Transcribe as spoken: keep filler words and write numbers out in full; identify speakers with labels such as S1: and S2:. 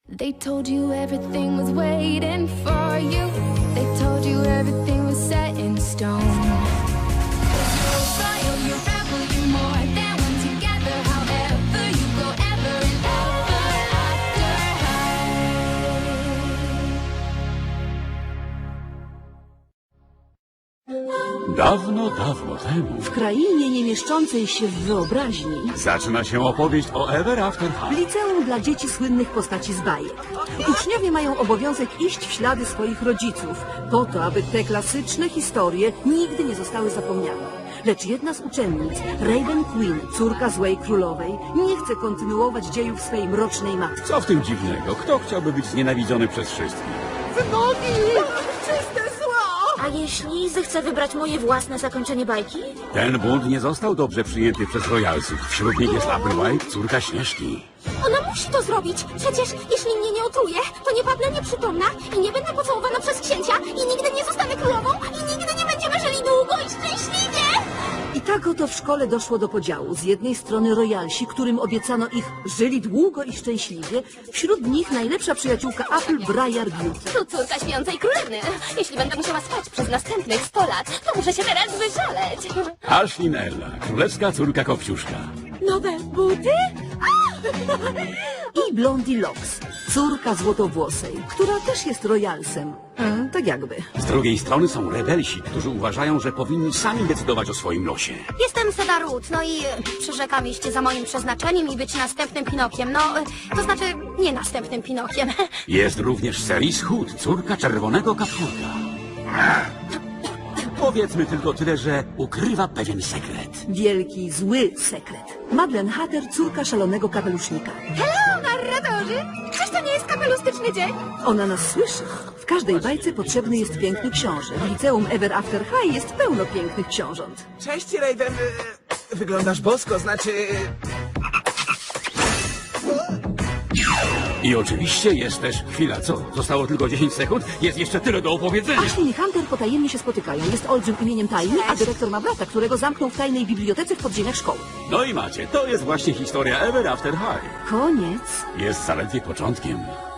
S1: They told you everything was waiting for you. They told you everything was set in stone. You're royal, you're rebel, you're more than one together. However you go, ever and ever after high.
S2: Dawno, dawno temu
S3: W krainie nie mieszczącej się w wyobraźni,
S2: zaczyna się opowieść o Ever After
S3: w
S2: High.
S3: liceum dla dzieci słynnych postaci z bajek. Uczniowie mają obowiązek iść w ślady swoich rodziców, po to, aby te klasyczne historie nigdy nie zostały zapomniane. Lecz jedna z uczennic, Raven Queen, córka złej królowej, nie chce kontynuować dziejów swej mrocznej matki.
S2: Co w tym dziwnego? Kto chciałby być znienawidzony przez wszystkich?
S4: A jeśli zechcę wybrać moje własne zakończenie bajki?
S2: Ten bunt nie został dobrze przyjęty przez royalsów. Wśród nich jest Applewhite, córka Śnieżki.
S4: Ona musi to zrobić. Przecież jeśli mnie nie otruje, to nie padnę nieprzytomna i nie będę pocałowana przez księcia i nigdy nie zostanę królową i nigdy nie będziemy żyli długo i szczęśliwie.
S3: I tak oto w szkole doszło do podziału. Z jednej strony royalsi, którym obiecano ich żyli długo i szczęśliwie, wśród nich najlepsza przyjaciółka Apple, Briar Beauty.
S4: To córka śpiącej królewny. Jeśli będę musiała spać przez następnych sto lat, to muszę się teraz wyszaleć.
S2: Ashlyn Ella, królewska córka Kopciuszka.
S4: Nowe buty?
S3: I Blondie Locks, córka złotowłosej, która też jest royalsem. E, tak jakby.
S2: Z drugiej strony są rebelsi, którzy uważają, że powinni sami decydować o swoim losie.
S4: Jestem Seda Ruth, no i e, przyrzekam iść za moim przeznaczeniem i być następnym Pinokiem. No, e, to znaczy nie następnym Pinokiem.
S2: Jest również Cerise Hood, córka czerwonego kapturka. Powiedzmy tylko tyle, że ukrywa pewien sekret.
S3: Wielki, zły sekret. Madeleine Hatter, córka szalonego kapelusznika.
S4: Hello, narratorzy! Czyż to nie jest kapelustyczny dzień?
S3: Ona nas słyszy. W każdej bajce potrzebny jest piękny książę. W liceum Ever After High jest pełno pięknych książąt.
S5: Cześć, Raven. E, Wyglądasz bosko, znaczy...
S2: I oczywiście jest też chwila, co? Zostało tylko dziesięć sekund? Jest jeszcze tyle do opowiedzenia.
S3: Ashley i Hunter potajemnie się spotykają. Jest olbrzym imieniem tajny, a dyrektor ma brata, którego zamknął w tajnej bibliotece w podziemiach szkoły.
S2: No i macie, to jest właśnie historia Ever After High.
S3: Koniec.
S2: Jest zaledwie początkiem.